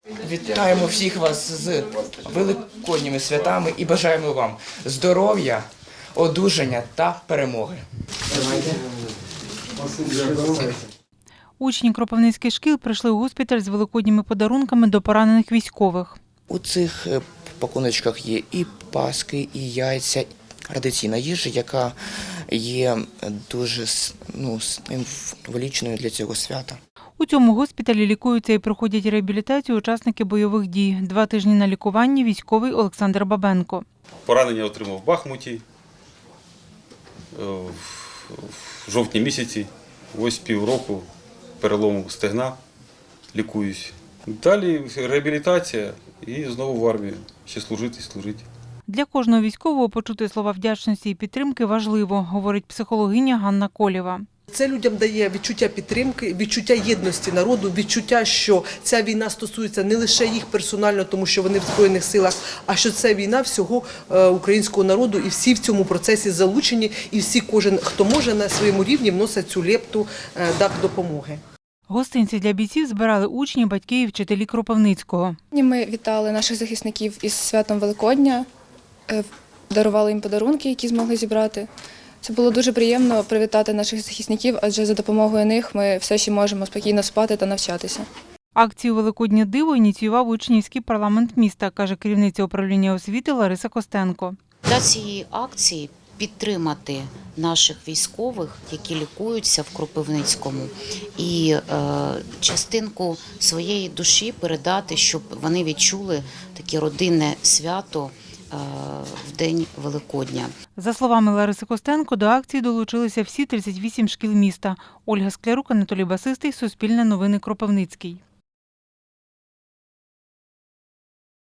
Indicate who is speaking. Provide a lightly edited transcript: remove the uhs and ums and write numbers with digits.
Speaker 1: Вітаємо всіх вас з великодніми святами і бажаємо вам здоров'я, одужання та перемоги.
Speaker 2: Учні кропивницьких шкіл прийшли у госпіталь з великодніми подарунками до поранених військових.
Speaker 1: У цих пакуночках є і паски, і яйця, традиційна їжа, яка є дуже символічною для цього свята.
Speaker 2: У цьому госпіталі лікуються і проходять реабілітацію учасники бойових дій. 2 тижні на лікуванні військовий Олександр Бабенко.
Speaker 3: Поранення отримав в Бахмуті в жовтні місяці. Ось півроку перелому стегна, лікуюсь. Далі реабілітація і знову в армію. Ще служити.
Speaker 2: Для кожного військового почути слова вдячності і підтримки важливо, говорить психологиня Ганна Колєва.
Speaker 4: Це людям дає відчуття підтримки, відчуття єдності народу, відчуття, що ця війна стосується не лише їх персонально, тому що вони в Збройних силах, а що це війна всього українського народу, і всі в цьому процесі залучені, і всі, кожен, хто може, на своєму рівні вносить цю лепту допомоги.
Speaker 2: Гостинці для бійців збирали учні, батьки і вчителі Кропивницького.
Speaker 5: Ми вітали наших захисників із святом Великодня, дарували їм подарунки, які змогли зібрати. Це було дуже приємно привітати наших захисників, адже за допомогою них ми все ще можемо спокійно спати та навчатися.
Speaker 2: Акцію «Великоднє диво» ініціював учнівський парламент міста, каже керівниця управління освіти Лариса Костенко.
Speaker 6: Для цієї акції підтримати наших військових, які лікуються в Кропивницькому, і частинку своєї душі передати, щоб вони відчули таке родинне свято в день Великодня.
Speaker 2: За словами Лариси Костенко, до акції долучилися всі 38 шкіл міста. Ольга Склярук, Анатолій Басистий, Суспільне новини, Кропивницький.